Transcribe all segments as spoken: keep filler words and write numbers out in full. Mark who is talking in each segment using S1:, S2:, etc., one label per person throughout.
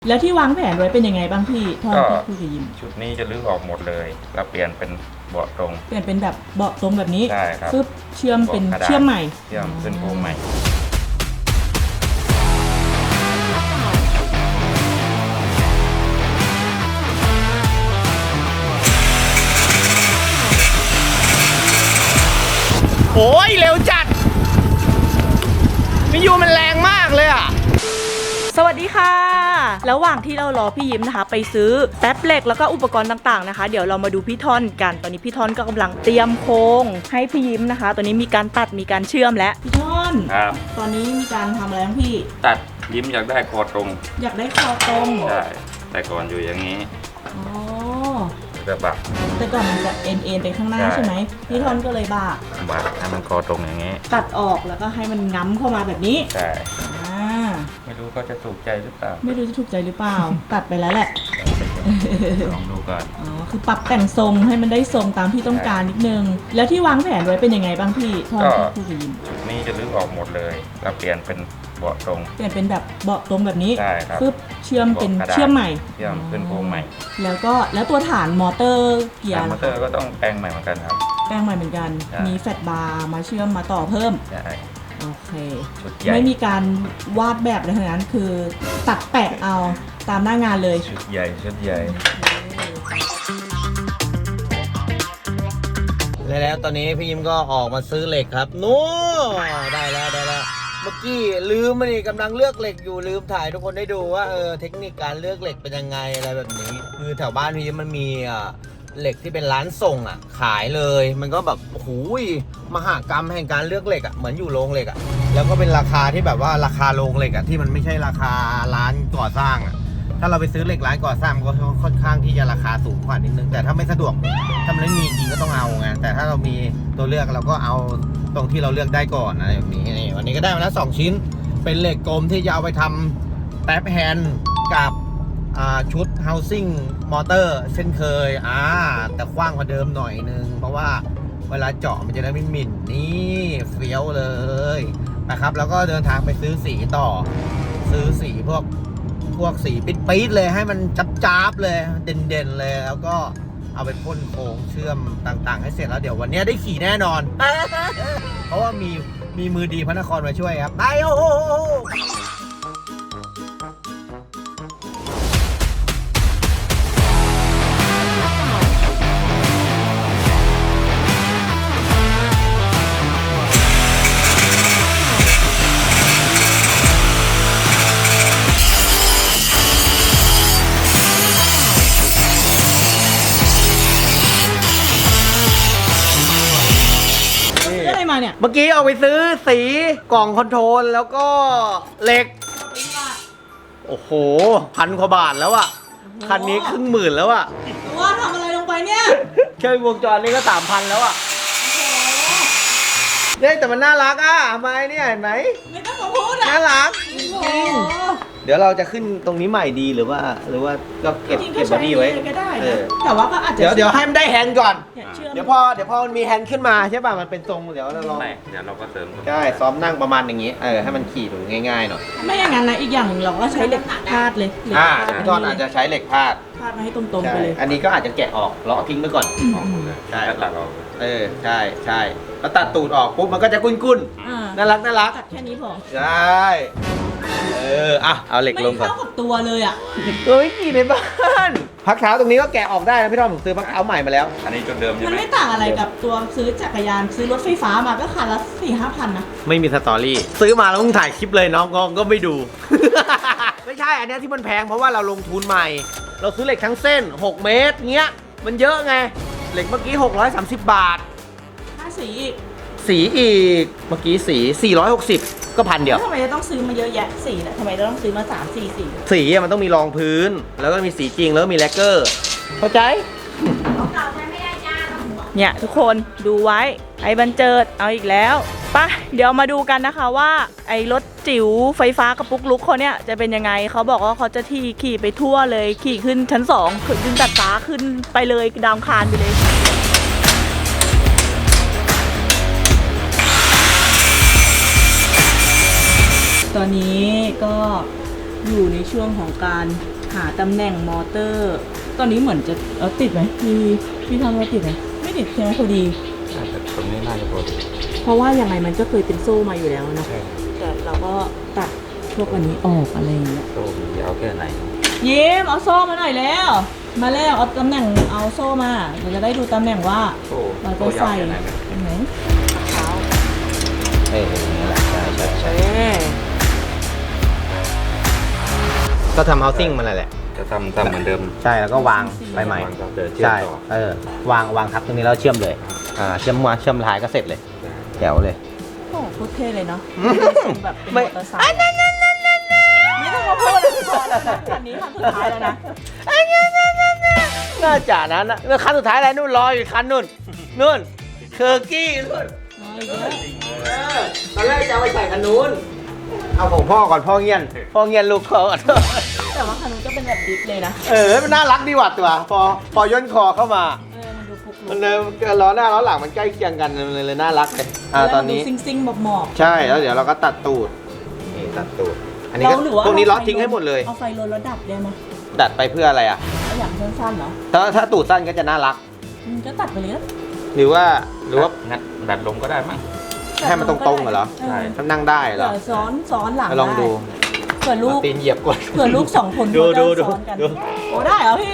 S1: แล้วที่วางแผนไว้เป็นยังไงบ้างพี่ท่อนที่คุยกับยิม
S2: ชุดนี้จะรื้อออกหมดเลยแล้วเปลี่ยนเป็นเบาะตรง
S1: เปลี่ยนเป็นแบบเบาะตรงแบบนี้
S2: ใช่ครับ
S1: ปึ๊บเชื่อมเป็นเชื่อมใหม่
S2: เชื่อมขึ้นโครงใหม่
S3: โอ้ยเร็วจัดมิยูมันแรงมากเลยอ่ะ
S1: สวัสดีค่ะระหว่างที่เรารอพี่ยิ้มนะคะไปซื้อแป๊บเหล็กแล้วก็อุปกรณ์ต่างๆนะคะเดี๋ยวเรามาดูพี่ท่อนกันตอนนี้พี่ท่อนก็กำลังเตรียมโครงให้พี่ยิ้มนะคะตอนนี้มีการตัดมีการเชื่อมแล้วพี่ท่อน
S2: ครับ
S1: ตอนนี้มีการทำอะไรบ้างพี่
S2: ตัดยิ้มอยากได้คอตรง
S1: อยากได้คอตรง
S2: ใช่แต่ก่อนอยู่อย่างนี้
S1: อ๋อ
S2: จะบัก
S1: แต่ก่อนมันจะเอ็นเอ็นไปข้างหน้าใช่ไหมพี่ท่อนก็เลยบัก
S2: บักให้มันคอตรงอย่างนี้
S1: ตัดออกแล้วก็ให้มันง้ำเข้ามาแบบนี้
S2: ใช่ไม่รู้ก็จะถูกใจหรือเปล่า
S1: ไม่รู้จะถูกใจหรือเปล่า ตัดไปแล้วแหละ
S2: ลองดูก่อน
S1: อ๋อคือปรับแต่งทรงให้มันได้ทรงตามที่ต้องการนิดนึงแล้วที่วางแผนไว้เป็นยังไงบ้างพี่ท่อนที่คุยกับยิม
S2: ชุดนี้จะรื้อออกหมดเลยแล้วเปลี่ยนเป็นเบาะตรง
S1: เปลี่ยนเป็นแบบเบาะตรงแบบนี้
S2: ใช่ครับ
S1: ปึ๊บเชื่อมเป็นเชื่อมใหม่
S2: เชื่อมขึ้นโครงใหม่
S1: แล้วก็แล้วตัวฐานมอเตอร์เกียร์
S2: มอเตอร์ก็ต้องแปลงใหม่เหมือนกันครับ
S1: แปลงใหม่เหมือนกันมีแฟลตบาร์มาเชื่อมมาต่อเพิ่ม
S2: ใช่
S1: โอเคไม่มีการวาดแบบอะไรทั้งนั้นคือตัดแปะเอาตามหน้างานเลย
S2: ชุดใหญ่ชุดใหญ่
S3: แล้วตอนนี้พี่ยิ้มก็ออกมาซื้อเหล็กครับนู้ได้แล้วได้แล้วเมื่อกี้ลืมมาดิกำลังเลือกเหล็กอยู่ลืมถ่ายทุกคนได้ดูว่าเออเทคนิคการเลือกเหล็กเป็นยังไงอะไรแบบนี้คือแถวบ้านพี่ยิ้มมันมีอ่ะเหล็กที่เป็นร้านส่งอ่ะขายเลยมันก็แบบโอ้โหมหากรรมแห่งการเลือกเหล็กอ่ะเหมือนอยู่โรงเหล็กอ่ะแล้วก็เป็นราคาที่แบบว่าราคาโรงเหล็กอ่ะที่มันไม่ใช่ราคาร้านก่อสร้างอ่ะถ้าเราไปซื้อเหล็กร้านก่อสร้างก็ค่อนข้างที่จะราคาสูงกว่านิดนึงแต่ถ้าไม่สะดวกถ้ามันไม่มีจริงก็ต้องเอาไงแต่ถ้าเรามีตัวเลือกเราก็เอาตรงที่เราเลือกได้ก่อนอะไรแบบนี้นี่วันนี้ก็ได้มาแล้วสองชิ้นเป็นเหล็กกลมที่จะเอาไปทำแป๊บแฮนด์กับชุด housing motor เช่นเคยอ่าแต่กว้างกว่าเดิมหน่อยนึงเพราะว่าเวลาเจาะมันจะได้ไม่หมิ่นนี่เฟี้ยวเลยนะครับแล้วก็เดินทางไปซื้อสีต่อซื้อสีพวกพวกสีปิดๆเลยให้มันจับๆเลยเด่นๆเลยแล้วก็เอาไปพ่นโค้งเชื่อมต่างๆให้เสร็จแล้วเดี๋ยววันนี้ได้ขี่แน่นอน เพราะว่ามีมีมือดีพระนครมาช่วยครับไปโอ้โหเมื่อกี้เอาไปซื้อสีกล่องคอนโทรลแล้วก็เหล็กโอ้โหพันกว่าบาทแล้วอะคันนี้ครึ่งหมื่นแล้วอะ
S1: ว่าทำอะไรลงไปเนี่ย
S3: แค่วงจรนี้ก็สามพันแล้วอะเนี่ยแต่มันน่ารักอะทำไมเนี่ยเห็นไหม
S1: ไม่ต้องมาพูดอะ
S3: น่ารักจริงเดี๋ยวเราจะขึ้นตรงนี้ใหม่ดีหรือว่าหรือว่าก็เก็บเก็บบอดี้ไว้
S1: ก็ได้แต่ว่าก็อาจจะ
S3: เดี๋ยวเดี๋ยวให้มันได้แฮนด์ก่อนเดี๋ยวพอเดี๋ยวพอมันมีแฮนด์ขึ้นมาใช่ป่ะมันเป็นทรงเดี๋ยวเราลอง
S2: เดี๋ยวเราก็เสริม
S3: ใช่ซ้อมนั่งประมาณอย่างนี้เออให้มันขี่ดูง่ายๆหน่อย
S1: ไม่อย่างนั้นนะอีกอย่างเราก็ใช้เหล็กพาดเลย
S3: อ่าพี่ทอนอาจจะใช้เหล็กพาด
S1: พาดมาให้ตรงๆไปเลย
S3: อันนี้ก็อาจจะแกะออกเลาะทิ้งไปก่อน
S2: ใช่ตัดออก
S3: เออใช่ใช่แล้วตัดตูดออกปุ๊บมันก็จะกุ้นๆน่ารักน่ารัก
S1: ตัดแค่นี้พอ
S3: ใช่เอออ่ะเอาเหล็กลงก่อน
S1: ไม่เข้ากับตัวเลยอ่ะ
S3: ตัวไม่ขี่ในบ้านพักเท้าตรงนี้ก็แกะออกได้นะพี่ทอมผมซื้อพักเท้าใหม่มาแล้ว
S2: อันนี้จุดเดิมใช่ไหม
S1: มันไม่ต่างอะไรกับตัวซื้อจักรยานซื้อรถไฟฟ้ามาก็คันละสี่ห้าพันนะ
S3: ไม่มีสตอรี่ซื้อมาแล้วต้องถ่ายคลิปเลยน้องกองก็ไม่ดู ไม่ใช่อันนี้ที่มันแพงเพราะว่าเราลงทุนใหม่เราซื้อเหล็กทั้งเส้นหกเมตรเงี้ยมันเยอะไงเหล็กเมื่อกี้หกร้อยสามสิบบาท
S1: ค่าสีอีก
S3: สีอีกเมื่อกี้สีสี่ร้อยหกสิบก็พันเดียว
S1: ทำไมจะต้องซื้อมาเยอะแยะสีเนี่ยทำไมจะต้องซื้อมาสามสี่สี
S3: สีมันต้องมีรองพื้นแล้วก็มีสีจริงแล้วก็มีแลกเกอร์เข้าใจ
S1: เนี่ยทุกคนดูไว้ไอ้บันเจิดเอาอีกแล้วไปเดี๋ยวมาดูกันนะคะว่าไอ้รถจิ๋วไฟฟ้ากระปุกลุกเขาเนี่ยจะเป็นยังไงเขาบอกว่าเขาจะที่ขี่ไปทั่วเลยขี่ขึ้นชั้นสองขึ้นตัดฟ้าขึ้นไปเลยดาวคานไปเลยตอนนี้ก็อยู่ในช่วงของการหาตำแหน่งมอเตอร์ ตอนนี้เหมือนจะเออติดไหมพี่พี่ทำว่าติดไหมไม่ติดใช่ไหมพอดี
S2: แต่ตรงนี้น่าจะพอดี
S1: เพราะว่ายังไงมันก็เคยเป็นโซ่มาอยู่แล้วเนอะ
S2: ใช่
S1: แต่เราก็ตัดพวกอันนี้ออกอะไรอย่างเงี้ย
S2: โซ่มียาวแค่ไหน
S1: ยิ้มเอาโซ่มาหน่อยแล้ว มาแล้วเอาตำแหน่งเอาโซ่มาเราจะได้ดูตำแหน่งว่า
S2: โซ่
S1: เรา
S2: โซ่
S1: จะ
S2: ยาว
S1: ใส่
S2: แค่ไหนไหม
S1: ตรงไหนเท้า
S3: เออนี่แหละใช่ใช่ใช่
S1: เอ๊ะ
S3: ก็ทำ housing มันแหละ
S2: จะทำทำเหมือนเดิม
S3: ใช่แล้วก็วางใบใหม่
S2: วางต่อเดินเชื่อม
S3: ใช่
S2: ต่อ
S3: เออวางวางทับตรงนี้แล้วเชื่อมเลยอ่าเชื่อมมาเชื่อมท้ายก็เสร็จเลยแถวเลย
S1: โอ้โหโคตรเท่เลยเนาะแบบเป็น
S3: ไม่
S1: มอเตอร์ไซค์ไม่ต้องมาพูดเลยพอแล้วนะคันนี้คันสุดท้ายแล้วนะ
S3: น่าจะนั้นนะแล้วคันสุดท้ายอะไรนู่นรออยู่คันนู่นนู่นเคอร์กี้นู่น
S1: น้อยเยอะ
S3: เออตอนแรกจะเอาไปใส่คันนู้นเอาของพ่อก่อนพ่อเงียนพ่อเงียนลูกเขาก่อน
S1: แต่ว่าคันนู้นก็เป็นแบบดิฟเลยนะ
S3: เออมันน่ารักดีว่ะตัวพอพอย่นคอเข้ามา
S1: เออมันดูพุก
S3: มันเลยล้อหน้าล้อหลังมันใกล้เคียงกันมันเลยเลยน่ารักเลยอ่าตอนนี้
S1: ซิงซิงๆหมอบ
S3: ใช่แล้วเดี๋ยวเราก็ตัดตูดนี่ตัดตูดอัน
S1: ๆ
S3: นี้ก็
S1: เราหรือว่า
S3: พวกนี้
S1: า
S3: ล็อต
S1: ไฟ
S3: ทิ้งให้หมดเลย
S1: เอาไฟลนแล้วดับได้ไหม
S3: ดัดไปเพื่ออะไรอ่ะ
S1: เอาอย่างสั้นๆเหรอ
S3: ถ้าถ้าตูดสั้นก็จะน่ารัก
S1: อืมก็ตัดไปเลยนะ
S3: หรือว่าหรือว่า
S2: งัดดัดลมก็ได้มั้ง
S3: ให้มันตรงๆเหรอ
S1: ใช่
S3: ถ้านั่งได้เหร
S1: เผื่
S3: อ
S1: อซ้อนซ้อนหลัง
S3: ไปลองดู
S1: เผื่อลูก
S3: เอาตีนเหยียบก่อน
S1: เผื่อลูกสองคน
S3: ดู
S1: เขาจะ
S3: ดูดู
S1: ซ้อนกัน
S3: ดู
S1: โอ้ได้เหรอพี่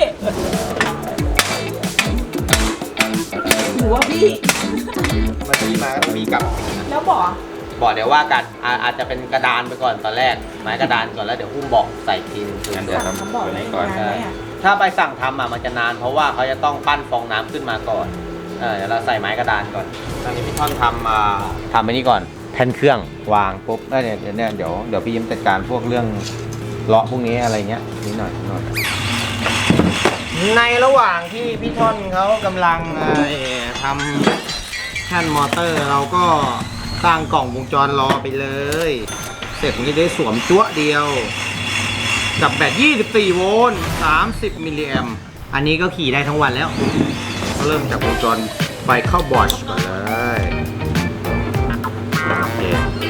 S1: หรือว่าพี่
S3: มาที่มาก็ต้องมีกลับ
S1: แล้วบอก
S3: บอกเดี๋ยวว่ากันอาอาจจะเป็นกระดานไปก่อนตอนแรกไม้กระดานก่อนแล้วเดี๋ยวหุ้มเบอกใส่ทีนึง
S2: งั้นเดี๋ยว
S1: สั่ง
S2: ทำ
S1: คำบอก
S2: ตัว
S1: เลย
S2: นี้ก่อน
S1: นานไหมอ่ะ
S3: ถ้าไปสั่งทำอ่ะมันจะนานเพราะว่าเขาจะต้องปั้นฟองน้ำขึ้นมาก่อนเออเดี๋ยวเราใส่ไม้กระดานก่อนตอนนี้พี่ท่อนทำอ่าทำไปนี่ก่อนแผ่นเครื่องวางปุ๊บแล้วเนี่ยเดี๋ยวเนี่ยเดี๋ยวเดี๋ยวพี่ยิ้มจัดการพวกเรื่องเลาะพวกนี้อะไรเงี้ยนิดหน่อยนิดหน่อยในระหว่างที่พี่ท่อนเขากำลังเอ่อทำแท่นมอเตอร์เราก็สร้างกล่องวงจรรอไปเลย เสร็จนี้ได้สวมจั๊วเดียว กับแบตยี่สิบสี่โวลต์สามสิบมิลลิแอมป์อันนี้ก็ขี่ได้ทั้งวันแล้ว ก็เริ่มจากวงจรไฟเข้าบอชก่อนเลยโอเค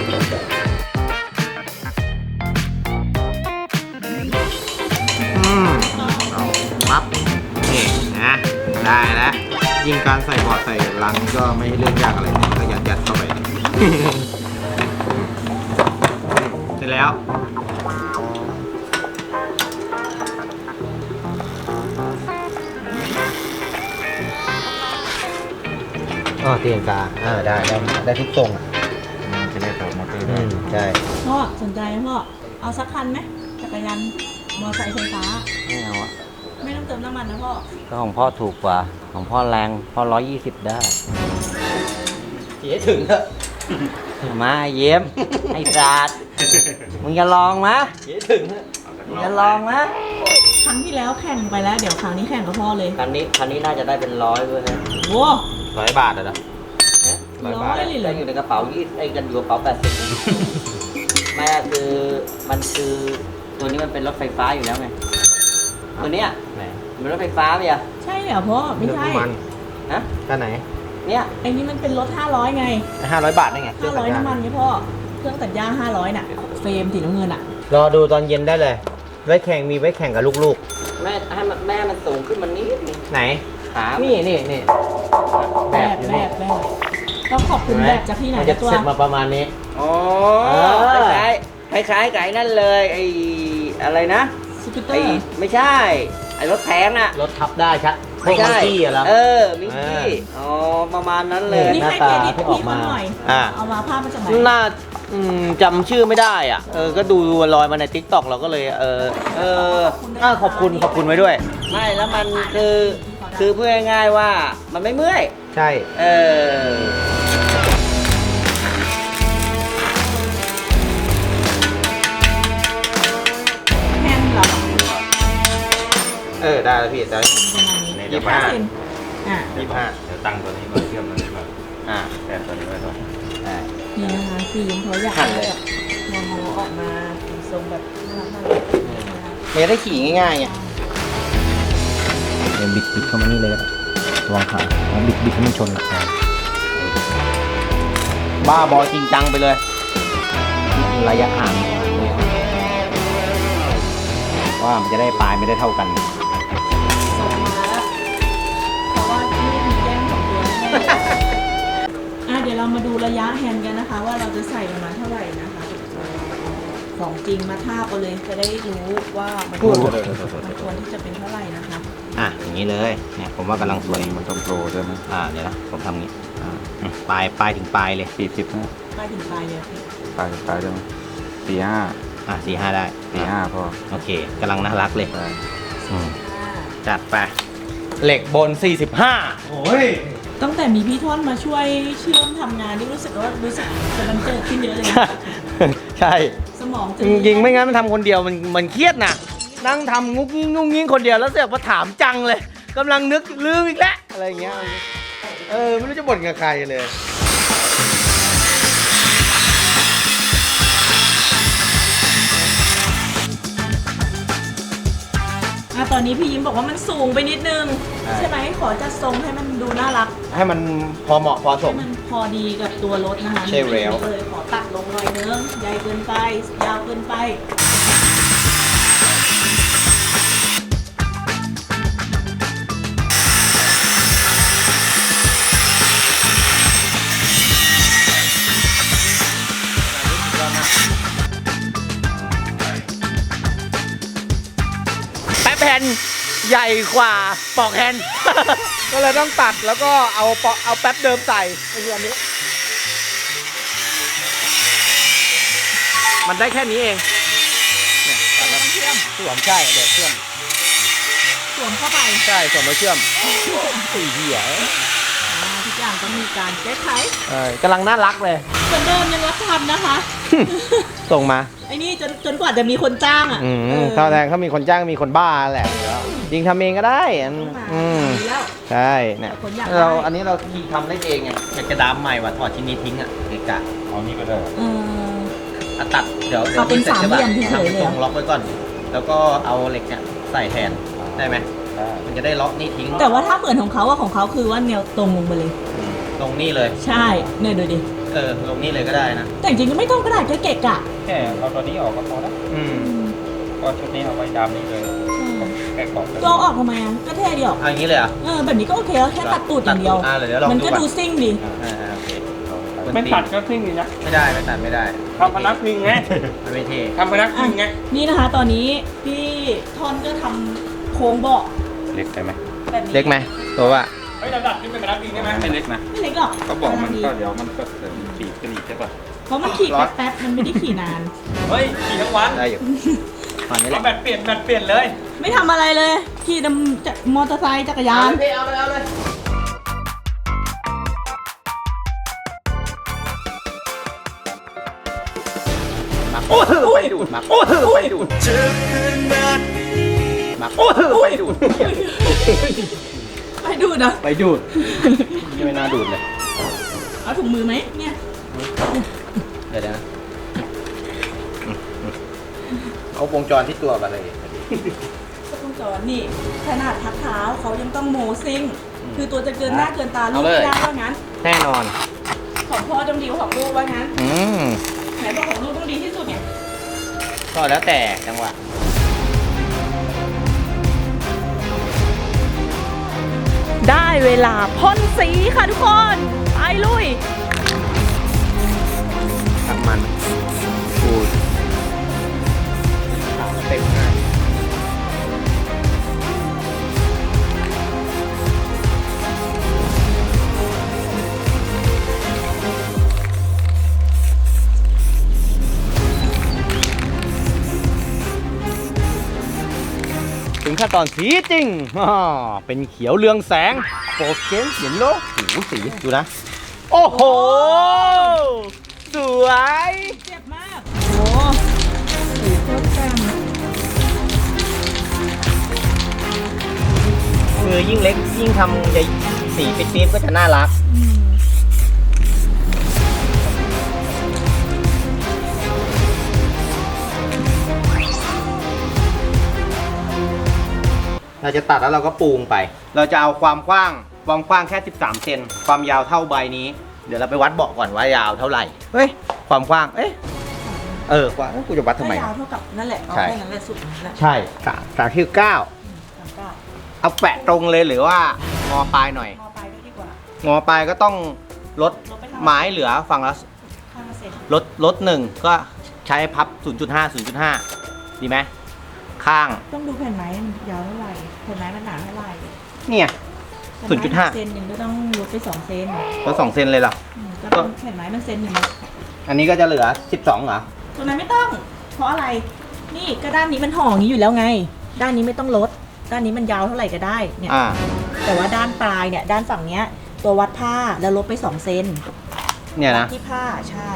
S3: อืมเอาปั๊บนี่นะได้แล้วยิ่งการใส่บอร์ดใส่ลังก็ไม่ใช่เรื่องยากอะไรก็ยัดยัดๆเข้าไป เสร็จแล้ว อ๋อตีลังกาอ่าได้ได้ได้ทุกทรงอ่ะ
S2: มันจะได้ต่อมอเตอร์
S3: อื
S2: ได้
S3: มใช่
S1: พ่อสนใจไหมพ่อเอาสักคันไหมจักรยานมอเตอร์ไซค์ไฟฟ้า
S4: ไม่เอาอะ
S1: ไม่ต้องเติมน้ำมันนะพ่อ
S4: ก็ของพ่อถูกกว่า ของพ่อแรงพ่อร้อยยี่สิบได้
S3: ขี่ให้ถึงเถอะ
S4: มาเยี่ยม ไอ้สัตว์มึงจะลองมะ
S3: ขี่ให้ถึงเถอะ
S4: มึงจะลองมะ
S1: ครั้งที่แล้วแข่งไปแล้ว เดี๋ยวครั้งนี้แข่งกับพ่อเลย
S4: คันนี้คันนี้น่าจะได้เป็นร้อยเลยฮะ
S1: โว้
S3: ร้อยบาทเหรอ
S4: นะ
S3: ร้อย
S1: ร้
S3: บา
S1: อ
S3: ท
S1: ยเลยเหร
S4: ได้
S1: อ
S4: อยู่ในกระเป๋ายี่ไอ้กันอยู่กระเป๋าแปดสิบแม่คือมันคือตัวนี้มันเป็นรถไฟฟ้าอยู่แล้วไงตัวเนี้ย
S3: ไหน
S4: มันเป็นรถไฟฟ้าไหมอะ
S1: ใช่เหรอพ่อไม่ใช่
S3: เรื่องน้ำมัน
S4: ฮะ
S3: ท่าไหน
S4: เนี่ย
S1: ไอ้นี่มันเป็นรถห้าร้อยไง
S3: ห้าร้อยบาทได้ไงเครื่
S1: ห้า
S3: อง
S1: ร้
S3: ตั
S1: อย
S3: ดหญ้า
S1: น้ำมันไงพ่อ เครื่องตัดหญ้าห้าร้อยน่ะ เฟรมสีน้ำเงินอ่ะ
S3: รอดูตอนเย็นได้เลย ไว้แข่งมีไว้แข่งกับลูก
S4: แม่ให้มันแม่มันสูงขึ้นมันนิดนึง
S3: ๆ ไหน
S4: ขา
S3: นี่นี่นี่
S1: แบบ
S3: อยู่
S1: แบ
S3: นี่
S1: บแบบต้องขอบคุณ
S3: เห็นไหม
S1: แบบจากที่ไหน
S3: มันจะ
S1: นะตัว
S3: เสร็จมาประมาณนี้
S4: อ๋อ
S3: เออ
S4: คล้ายๆคล้ายๆกับไอ้นั่นเลยไอ้อะไรนะ
S1: สกูตเตอ
S4: ไอ้
S1: ร์
S4: ไม่ใช่ ไอ้รถแพงน่ะ
S3: รถทับได้ชัดพว
S4: ไม่
S3: กมัง
S4: ใช่
S3: กี้อะเหรอ
S4: เออมิงกี้อ๋อประมาณนั้นเลย
S1: นี่
S3: หน้า
S1: ให้
S3: ตา
S1: เครดิต
S3: ที่ออก
S1: พี่
S3: มา
S1: เขาหน่อย
S3: อ่า
S1: เอามาภาพมาจากไหน
S3: น่าอืมจำชื่อไม่ได้อ่ะ เออ ก็ดูลอยมาในทิกตอกเราก็เลย เออ เอออ่าขอบคุณ ขอบคุณไว้ด้วย
S4: ไม่แล้วมันคือคือพูดง่ายๆว่ามันไม่เมื่อย
S3: ใช่
S4: เออ
S1: แฮนด์เหรอ
S3: เออ ได้แล้วพี่ได้
S1: ประมาณนี้
S2: ใน
S3: ยี่
S2: เดี๋ยว
S3: สิบห้า
S1: เซนอ่ะ
S3: ยี่สิบห้า
S2: เดี๋ยวตั้งตัวนี้มาเชื่อมตัวนี้ก่อน
S3: อ่า
S2: แทนตัวนี้ไว้ก่อน
S3: ได้
S1: นี่นะคะคือยิ้มเขาอยาก
S3: หั่น
S1: ให้
S3: เลย
S1: แบบมองเขาออกมาเป็นทรงแบบน่ารักน่ารักนะคะ
S3: มันจะได้ขี่ง่ายๆไงเดี๋ยวบิดบิดเข้ามานี่เลยก็ได้ระวังขาเอาบิดบิดให้มันชนอ่ะบ้าบอจริงจังไปเลย ระยะห่างว่ามันจะได้ปลายไม่ได้เท่ากัน
S1: ส่งมาแล้วเพราะว่าที่มีแย่งของตัวแน่อ่ะเดี๋ยวเรามาดูระยะแฮนด์กันนะคะ ว่าเราจะใส่ประมาณเท่าไหร่นะคะของจริงมาทาบเอาเลยจะได้รู้ว่ามันควรมันควรที่จะเป็นเท่าไหร่นะคะ
S3: อ่ะอย่างนี้เลยเนี่ยผมว่ากำลังสวย
S2: มันต้องโปรใช่ไหม
S3: อ่าเดี๋ยวนะผมทำงี้อ่าอืมปลายปลายถึงปลายเลย
S2: สี่สิบนะ
S1: ไปถึงปลายเลยพี่
S2: ปลายปลายได้ไหมสี่ห้า
S3: อ่ะสี่ห้าได้
S2: สี่ห้าพอ
S3: โอเคกำลังน่ารักเลย
S2: ใช่
S3: อืมจัดไปเหล็กบนสี่สิบห้าโอ้ย
S1: ตั้งแต่มีพี่ท่อนมาช่วยเชื่อมทำงานนี่รู้สึกว่ารู้สึกจะมันเกิดขึ้นเยอะเลยนะ
S3: ใช่
S1: สมองจะ
S3: จริงๆไม่งั้นมันทำคนเดียวมันมันเครียดนะนั่งทำงุกงิ้งงุกงิ้งคนเดียวแล้วเสียพอถามจังเลยกำลังนึกลืมอีกแล้วอะไรอย่างเงี้ยเออไม่รู้จะบ่นกับใครเลย
S1: อ่ะตอนนี้พี่ยิ้มบอกว่ามันสูงไปนิดนึง
S3: ใช่
S1: ใช่ไหมขอจัดทรงให้มันดูน่ารัก
S3: ให้มันพอเหมาะพอส
S1: ให้
S3: ม
S1: มันพอดีกับตัวรถนะคะ
S3: ใช่แล้ว
S1: เลยขอตัดลงหน่อยนึงใหญ่เกินไป ยาวเกินไป
S3: แป๊บแผ่นใหญ่กว่าปอกแฮนด์ ก็เลยต้องตัดแล้วก็เอาปอกเอาแป๊บเดิมใส่ไอ้เรื่องนี้ มันได้แค่นี้เองเนี่ยตัดแล้วเชื่อมสวมใช่เดี๋ยวเชื่อม
S1: สวมเข้าไป
S3: ใช่สวมแล้วเชื่อมสี่เหี้ย
S1: อ่าทุกอย่างต้องมีการแก้ไข
S3: เออกำลังน่ารักเลย
S1: เหมือนเดิมยังรับทำนะคะ
S3: ส่งมา
S1: ไอ้นี่จนจนกว่าจะมีคนจ้างอ่ะ
S3: อืม
S1: เออ
S3: ถ้าแรงเขามีคนจ้างมีคนบ้าแหละจริงทำเองก็ได้อัน
S1: ต้องมา
S3: อืม
S1: ดีแล้ว
S3: ใช่เนี่ย
S1: คนอยาก
S3: เรา
S1: ได้
S3: อันนี้เราทีทำได้เองไงอยากจะดามใหม่ว่ะถอดชิ้นนี้ทิ้งอ่ะเกะกะ
S2: เอานี่ก็ได้
S1: เออ
S3: อ่ะตัดเดี๋ยวเดี๋ยว
S1: เอาเป็น
S3: สร็จใช่ปะ
S1: สามเหลี่ยมเฉยๆเลยเหรอ
S3: ทำตรงล็อกไว้ก่อน แล้วก็เอาเหล็กเนี่ยใส่แทนได้ไหม
S2: ได้
S3: มันจะได้ล็อกนี่ทิ้ง
S1: แต่ว่าถ้าเหมือนของเขาอะของเขาคือว่าแนวตรงลงไปเลย
S3: อืมลงนี่เลย
S1: ใช่เนี่ยดูดิ
S3: เออลงนี่เลยก็ได้นะ
S1: แต่จริงๆก็ไม่ต้องก็ได้แค่เกะกะ
S2: แค่เอาตัวนี้ออกก็พอแล้ว
S3: อืม
S2: ก็ชุดนี้เอาไว้ดามนี่เลยแค่กรอบ
S1: ก็เอาออกทำไมอ่ะก็เท่เดียว
S3: เอาอย่างนี้เลยเหรอ่ะ
S1: เออแบบนี้ก็โอเคแล้วแค่ตัดตูดอย่างเดียว
S3: อ่าเดี๋ยวลอง
S1: มัน
S3: ดู
S1: ก็
S3: ก่อน
S1: ดูซิ่งดี
S3: อ่าอ่าโอเค
S2: ไม่ตัดก็ครึ่งนี่นะ
S3: ไม่ได้ไม่ตัดไม่ได้
S2: ทำพนักพิงไง
S3: มันไม่เท่
S2: ทำพนักพิงไง
S1: นี่นะคะ ตอนนี้พี่ทอนก็ทำโค้งเบาะ
S2: เล็กไปไหม
S1: แบบนี้
S3: เล็กไหมตัวว่า
S2: เฮ้ยระดับนี้เป็นพนักพิงได้ไหมไม่เล็กนะ
S1: ไม่เล็กหรอก
S2: ก็บอกมัน
S1: ดี
S2: ก็เดี๋ยวมันก็เสริมปีกกระดิ่งใช่ป่ะ
S1: เพราะมันขี่แป๊บๆมันไม่ได้ขี่นาน
S2: เฮ้ยขี่ทั้งวัน
S3: ได้อยู่ตอนนี้แห
S2: เอา
S3: ละ
S2: แบตเปลี่ยนแบตเปลี่ยนเลย
S1: ไม่ทำอะไรเลย ขี่นำจะมอเตอร์ไซค์จักรยาน
S3: เอาเลยเอาเลย
S2: โอ้โหไปดูดมาโอ้โหไปดูด
S3: มาโอ้โหไปดูด
S1: ไปดูดเหรอ
S3: ไปดูดนี่ไม่น่าดูดเลย
S1: เอาถุงมือไหมเนี่ย
S3: เดี๋ยวนะเอาวงจรที่ตัวกันเลย
S1: ก็ต้องจอดนี่ขนาดทักเท้าเขายังต้องโมซิ่ง คือตัวจะเกินหน้าเกินตาลูกไม่ได้ว่างั้น
S3: แน่นอน
S1: ของพ่อต้องดีกว่าของลูกว่างั้น
S3: อืม
S1: ไหนบอกของลูกต้องดีที่สุดเนี่ย
S3: ก็แล้วแต่จังหวะ
S1: ได้เวลาพ่นสีค่ะทุกคน ไปลุย
S3: ตักมันปูดเต็มง่ายถึงขั้นตอนสีจริงอ่าเป็นเขียวเรืองแสงโปรเกนเห็นโลกหูสีดูนะ โอ้โห สวย
S1: เจ็บมาก โอ้สีโคตรแจ่ม
S3: คือยิ่งเล็กยิ่งทำใหญ่สีปี๊บๆก็จะน่ารัก
S1: อืม
S3: เราจะตัดแล้วเราก็ปูงไป เราจะเอาความกว้าง ความกว้างแค่สิบสามเซน ความยาวเท่าใบนี้ เดี๋ยวเราไปวัดเบาะก่อนว่ายาวเท่าไหร่ เฮ้ย ความกว้าง เอ๊ะเออกว่ากูจะวัดทำไม
S1: ยาวเท่ากับนั่นแหละเอา
S3: ใช่
S1: แค่นั้นแหละสุดนั่นแหละ
S3: ใช่สามสามที่เก้า
S1: สามเก้า
S3: เอาแปะตรงเลยหรือว่างอปลายหน่อย
S1: มอไปด้วยดีกว่า
S3: งอปลายก็ต้องลด
S1: ลดไปเท่าไหร่
S3: ไม้เหลือฝั่งละ
S1: ข้างละเซน
S3: ลดลดหนึ่งก็ใช้พับ ศูนย์จุดห้า ศูนย์จุดห้า ดีไหมข้าง
S1: ต้องดูแผ่นไม้มันยาวเท่าไหร่แผ่นไม้มันหนาเท่าไหร่
S3: เนี่ย ศูนย์จุดห้า
S1: เซนหนึ่งก็ต้องลดไปสองเซน
S3: ลดสองเซนเลยเหรอ
S1: อืมก็ต้องแผ่นไม้มันเซนหนึ่ง
S3: อันนี้ก็จะเหลือสิบสองเหรอ
S1: ตรงนั้นไม่ต้อง เพราะอะไร นี่ก็ด้านนี้มันห่ออย่างนี้อยู่แล้วไง ด้านนี้ไม่ต้องลด ด้านนี้มันยาวเท่าไหร่ก็ได้เนี่ย
S3: อ่า
S1: แต่ว่าด้านปลายเนี่ย ด้านฝั่งเนี้ย ตัววัดผ้าแล้วลบไปสองเซน
S3: เนี่ยนะ
S1: ที่ผ้าใช่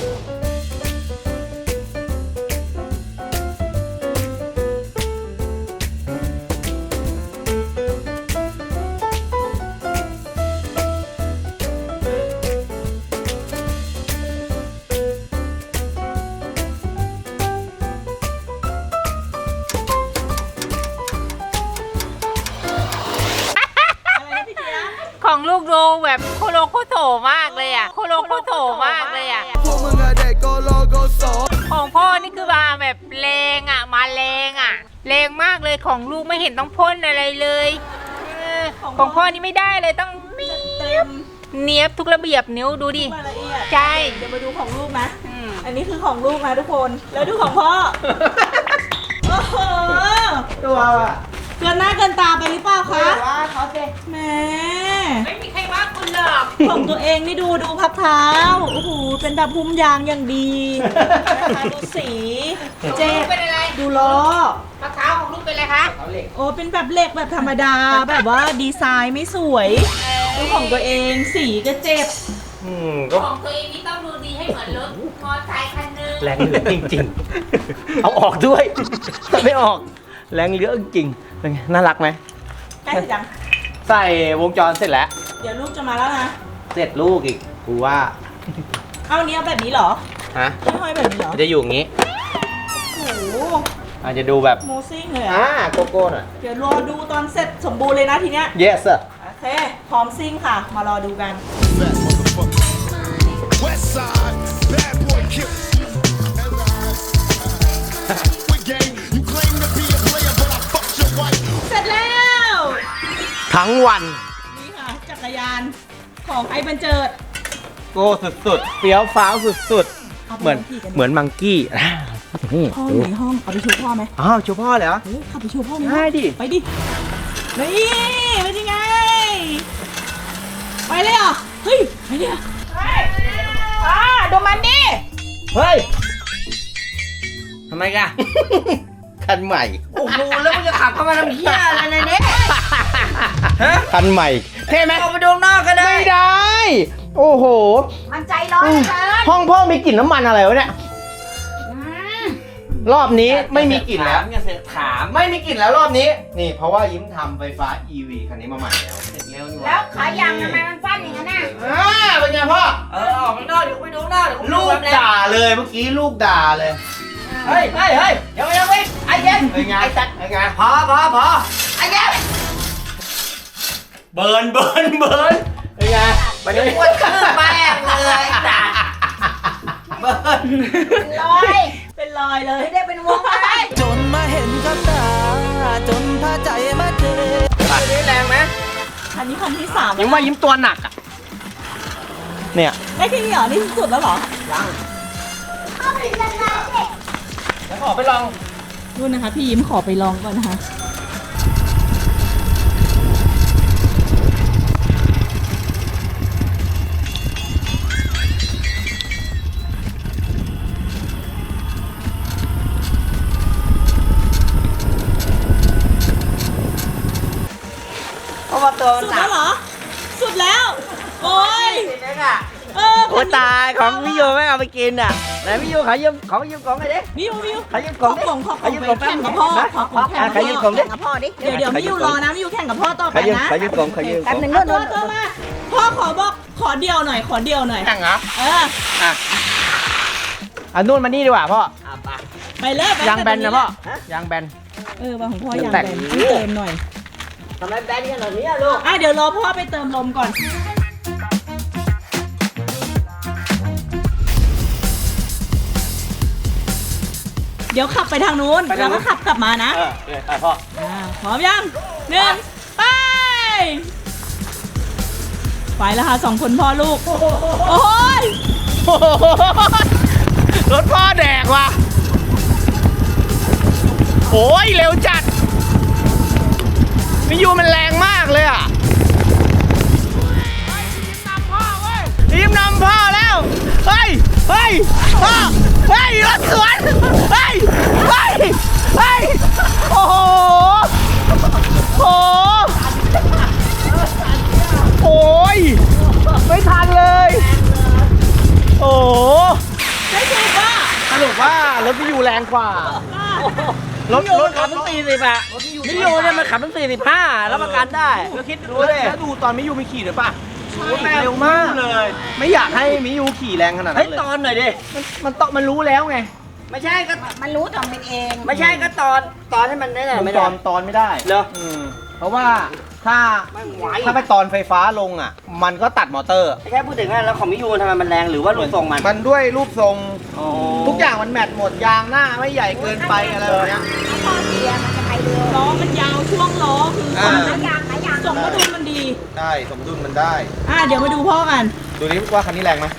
S1: อะไรนะพี่เจี๊ยบ
S5: ของลูกดูแบบโคโลโคโถมากเลยอ่ะ โคโลโคโถมากเลยอ่ะ ของพ่อนี่คือมาแบบแรงอ่ะ มาแรงอ่ะ แรงมากเลยของลูกไม่เห็นต้องพ่นอะไรเลยเออของพ่อนี่ไม่ได้เลยต้องเนีย
S1: เต็ม
S5: บเนียบทุกระเบียบนิ้วดูดิ
S1: รายละเอียด
S5: ใช่
S1: เดี๋ยวมาดูของลูกนะ
S5: อืม
S1: อันนี้คือของลูกนะทุกคน แล้วดูของพ่อ โอ้โห
S3: ตัวอ่ะ
S1: เกินหน้าเกินตาไปหรือเปล่าคะ
S3: ว่าเขาเจ
S1: แหม
S5: ไม่มีใครว่าคุณหรอก
S1: ของตัวเองนี่ดูดูพับเท้า โอ้โห เป็นแบบพุ่มยางอย่างดีนะคะดูสีเจ็บ
S5: เป็นอะไร
S1: ดูล้อ
S5: มะพร้าวของลูกเป็นอะไรคะ
S3: เขาเหล็ก
S1: โอ้ เป็นแบบเหล็กแบบธรรมดา แบบว่าดีไซน์ไม่สวยดูของตัวเองสีก็เจ็บ
S3: อืมก็
S5: ของตัวเองนี่ต้องดูดีให้เหมือนรถมอเตอร์ไซค์คันหนึง
S3: แรงเหลือจริงๆ เอาออกด้วยถ้าไม่ออก แรงเหลือจริงๆเป็นไงน่ารักไหม
S1: ใกล้เสร็จยัง
S3: ใส่วงจรเสร็จแล้ว
S1: เดี๋ยวลูกจะมาแล้วนะ
S3: เสร็จลูกอีก กูว่า
S1: เอาอันนี้เอาแบบนี้เหรอ
S3: ฮะ
S1: ไม่ห้อยแบบนี้เหรอ
S3: มันจะอยู่อย่างงี้
S1: โอ้โห
S3: อาจจะดูแบบ
S1: โมซิ่งเลย
S3: อ่า
S1: อ่ะ
S3: โกโก้หน่อย
S1: เดี๋ยวรอดูตอนเสร็จสมบูรณ์เลยนะทีเนี้ย
S3: yes sir
S1: โอเค พร้อมซิ่งค่ะ มารอดูกัน
S6: West side, bad boy kill. With game, you claim to be a player, but I fucked your wife.
S1: เสร็จแล้ว
S3: ทั้งวัน
S1: นี่ค่ะ จักรยานของไอ้บันเจิด
S3: โก้สุดๆเฟี้ยวฟ้าวสุด
S1: เอา
S3: ๆ
S1: ไป
S3: เหมือน
S1: ลงที่กันดิ
S3: เหมือนมังกี้อ่านี่
S1: พ่ออยู่ในห้อง เอาไปชูพ่อไหม
S3: อ้าวชูพ่อเลยเหรอ
S1: เฮ้ยขับไปชูพ่อในห้อง
S3: ได้ดิ
S1: ไปดินี่เป็นยังไง ไปเลยเหรอ เฮ้ย ไปเลยเหรออ่าดูมันดิ
S3: เฮ้ย ทำไมกัน คันใหม่
S4: โอ้โหแล้วมึงจะขับเข้ามาทำเหี้ยอะไรในนี้
S3: คันใหม่เท่ไหม
S4: ออกไปดูข้างนอกก็ได้
S3: ไม่ได้ โอ้โห
S5: มันใจร้อนเกิน
S3: ห้องพ่อมีกลิ่นน้ำมันอะไรวะเนี่ย รอบนี้ไม่มีกลิ่นแล้ว
S4: อย่าเสือกถาม
S3: ไม่มีกลิ่นแล้วรอบนี้ นี่เพราะว่ายิ้มทำไฟฟ้า อี วี คันนี้มาใหม่แล้ว
S4: เสร็จเร็วนี่ห
S5: แล้วขายางทำไมมันสั้นอย่างนั้นน่ะ
S3: อ่าเป็นไงพ่อ
S4: เออออกข้างนอกเดี๋ยวกูไปดูข้างนอกเดี๋ยวกู
S3: ลูก
S4: แบบ
S3: ด่าเลยเมื่อกี้ลูกด่าเลย
S4: เฮ้ยเฮ้ยเฮ้ยเดี๋ยวเดี๋ยวเฮ้ยไอ้เย็น
S3: เป็นไง
S4: ไอ้สัตว์
S3: เป็นไง
S4: พอพอพอไอ้เย็น
S3: เบิร์นเบิร์นเบิร์นเป็นไงวันนี้
S4: ปวดขึ้นแม่งเลยไอ้สัตว์เบิร์น
S5: ลอย
S1: เป็นรอยเลย
S5: ไม่ได้เป็นวงอะไร
S7: จนมาเห็นกับตา จนพาใจมาเจอ
S3: อันนี้แรงไหม
S1: อันนี้คันที่สาม
S3: ยังว่ายิ้มตัวหนักอ่ะ เนี่ย
S1: ได้แค่นี้เหรอ นี่สุดแล้วเหรอ
S3: แล้วขอไปลอง
S1: นู่นนะคะ พี่ยิ้มขอไปลองก่อนนะคะ
S4: เพราะว่าตัวมัน
S1: สุด
S4: หนั
S1: แล้
S4: ก
S1: วเหรอ สุดแล้ว โอ้ย
S4: เล็กอ่ะ
S1: เออ
S4: โอ้ตายของพี่โยไม่เอาไปกินอ่ะไหนพี่โยขอยืมของยืมของไอ้ดิ
S1: มิวมิว
S4: ขอยืมของดิ
S1: ขอของขอ
S4: ขอยืมของ
S1: แข่งกับพ่อ
S4: นะ
S1: ขอของแข่ง
S4: อ่ะขอยืมของดิ
S5: กับพ่อดิ
S1: เดี๋ยวเดี๋ยวมิวรอนะมิวแข่งกับพ่อต่อไป
S3: ขอยืม
S1: นะ
S3: ขอยืมของขอยืมข
S5: แป๊
S3: อบ ง
S5: หนึ่ง
S1: เอา
S5: นู่น
S1: ตัว
S5: นู่น
S1: ตัวมา พ่อขอบอกขอเดียวหน่อย ขอเดียวหน่อย
S3: แข่งเหรอ
S1: เออ
S3: อ่ะอันนู่นมานี่ดีกว่าพ่อ
S4: อ่ะไป
S1: ไปเลยไป
S3: ยางแบนนะพ่อ ยางแบน
S1: เออว่าของพ่อยาง
S3: แต
S1: แบ
S3: ก
S1: นต้องเติมหน่อย
S4: ทำไมแบนขนาดนี้อ่ะลูก
S1: อ่ะเดี๋ยวรอพ่อไปเติมลมก่อน
S6: West
S1: เดี๋ยวขับไปทางนู้น
S3: ไปทา
S1: แล้
S3: ง
S1: ว
S3: นู้
S1: ก็
S3: น
S1: ขับกลับมานะ
S3: เออเออไปพ่อ
S1: อ่าพร้อมยังหนึ่งไป ไปแล้วค่ะสองคนพ่อลูก โอ้ย
S3: รถพ่อแดกว่ะโอ้ยเร็วจัดมิยูมันแรงมากเลยอ่ะทีมนำพ่อแล้ว เฮ้ย เฮ้ย พ่อ เฮ้ย รถสวน เฮ้ย เฮ้ย เฮ้ย โอ้โห โอ้โห โอ้ย ไม่ทันเลย โอ้โห
S1: ได้ถูกป่ะ
S3: สรุปว่ารถมิยูแรงกว่า รถรถขับตั้งสี่สิบอะมิยูเนี่ยมันขับตั้งสี่สิบห้ารับประกันได้แล้วคิดดูเลยแล้วดูตอนมิยูมีขี่หรือป่ะเร็วมากเลย ไม่อยากให้มิยูขี่แรงขนาดนั้นเลยให้ตอนหน่อยดิ มันมันตอนมันรู้แล้วไง
S4: ไม่ใช่ก็
S8: มันรู้ตอนเป็นเอง
S4: ไม่ใช่ก็ตอนตอนให้มันได้ไหน
S3: มัน
S4: ไม่
S3: ต
S4: ได้
S3: อนตอนไม่ได้
S4: เหรอ
S3: อืมเพราะว่าถ้า
S4: ไม่ไหว
S3: ถ้าไปตอนไฟฟ้าลงอ่ะ มันก็ตัดมอเตอร์
S4: ไม่ใช่พูดถึงว่าแล้วของมิยูมันทำไมมันแรงหรือว่ารูปทรงมัน
S3: มันด้วยรูปทรง
S4: อ๋อ
S3: ทุกอย่างมันแมทหมดยางหน้าไม่ใหญ่เกินไปอะไรแบบเนี้ย
S8: พอเสียมันจะไปเร็ว
S1: ล้อมันยาวช่วงล้อคือ
S3: อ่า
S8: หลายอย่างหลายอย่าง
S1: สมดุลมันดี
S3: ได้สมดุลมันได้
S1: อ่ะเดี๋ยวมาดูพ่อกัน
S3: ดูนี่ว่าคันนี้แรงไหม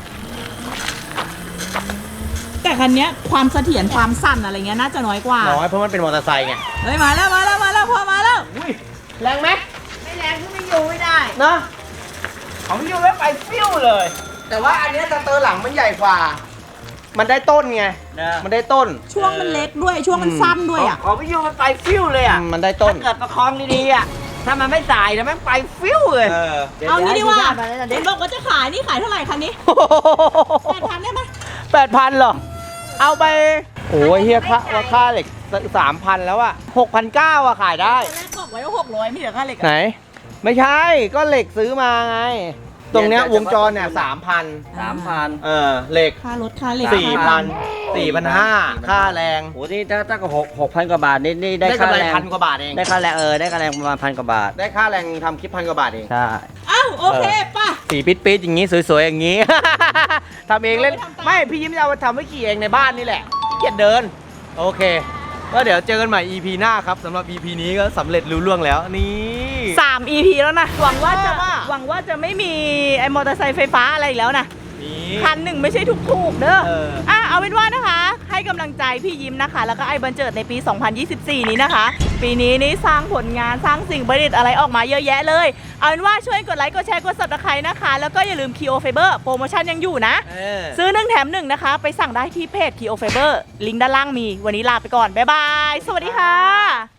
S1: แต่คันเนี้ยความเสถียรความสั่นอะไรเงี้ยน่าจะน้อยกว่า
S3: น้อยเพราะมันเป็นมอเตอร์ไซค์ไง
S1: เฮ้ยมาแล้วมาแล้วมาแล้วพ่อมาแล้ว
S3: อุ้ยแรงไหม
S8: ไม่แรงก็ไม่อยู่ไม่ได้
S3: เนาะของพี่ยูแล้วไปฟิวเลย แต่ว่าอันเนี้ยสเตอร์หลังมันใหญ่กว่า มันได้ต้นไง
S4: นะ
S3: มันได้ต้น
S1: ช่วงมันเล็กด้วยช่วงมันสั้นด้วยอ่ะ
S4: ของมิยูมันไปฟิวเลยอ่ะ
S3: มันได้ต้น
S4: ถ้าเกิดประคองดีๆอ่ะถ้ามันไม่สายนะแม่งไปฟิวเลย
S3: เออ
S1: เอางี้ดีกว่า
S4: เดี๋ย
S1: เด็
S4: ว
S1: กบอกว่าจะขายนี่ขายเท่าไหร่คันนี้แปดพันได้ไหม
S3: แปดพันเหรอ เอาไป โอ้ยเฮียค่าว่าค่าเหล็กสามพันแล้วอะหกพันเก้าอะขายได้
S1: ตอนแรกบอกไว้ว่าหกร้อยไม่เหลือค่าเหล็ก
S3: ไหน
S1: อะ
S3: ไม่ใช่ ก็เหล็กซื้อมาไง ตรงเนี้ยวงจรเนี่ยสามพัน
S4: สามพัน
S3: เออ เหล็ก
S1: ค่ารถค่าเหล็ก
S3: สี่
S1: ค่า
S3: พัน
S1: ทำ
S3: สี่พันห้าค่าแรง
S4: โหนี่ถ้าถ้าก็หกหกพันกว่าบาทนี่นี่ได้
S3: ได้
S4: ค่าก
S3: ำไร
S4: แรง
S3: พันกว่าบาทเอง
S4: ได้ค่าแรงเออได้ค่าแรงประมาณพันกว่าบาท
S3: ได้ค่าแรงทำคลิปพันกว่าบาทเอง
S4: ใช่
S1: อ้าวโอเคป่ะ
S3: สีปิดปิดๆอย่างงี้สวยๆอย่างงี้ ทำเองเล่น
S1: เอาไปทำตาม
S3: ไม่พี่ยิ้มจะเอาไปทำไว้ขี่เองในบ้านนี่แหละขี้เกียจเดิน โอเค ก็เดี๋ยวเจอกันใหม่ อี พี หน้าครับสำหรับ อี พี นี้ก็สำเร็จลุล่วงแล้วนี่
S1: สาม อี พี แล้วนะ หวังว่าจะ
S3: ว่า
S1: หวังว่าจะไม่มีไอ้มอเตอร์ไซค์ไฟฟ้าอะไรอีกแล้วนะ
S3: นี่
S1: พันหนึ่งไม่ใช่ถูกๆเด้อ
S3: เออ
S1: อ่ะเอาเป็นว่านะคะ ให้กำลังใจพี่ยิ้มนะคะ แล้วก็ไอ้บันเจิดในปี สองพันยี่สิบสี่ นี้นะคะ ปีนี้นี่สร้างผลงานสร้างสิ่งประดิษฐ์อะไรออกมาเยอะแยะเลย เอาเป็นว่าช่วยกดไลค์กดแชร์กด ซับสไครบ์ นะคะ แล้วก็อย่าลืม Kio Fiber โปรโมชั่นยังอยู่นะ
S3: เออ
S1: ซื้อหนึ่งแถมหนึ่งนะคะ ไปสั่งได้ที่เพจ Kio Fiber ลิงก์ด้านล่างมี วันนี้ลาไปก่อน บ๊ายบาย สวัสดีค่ะ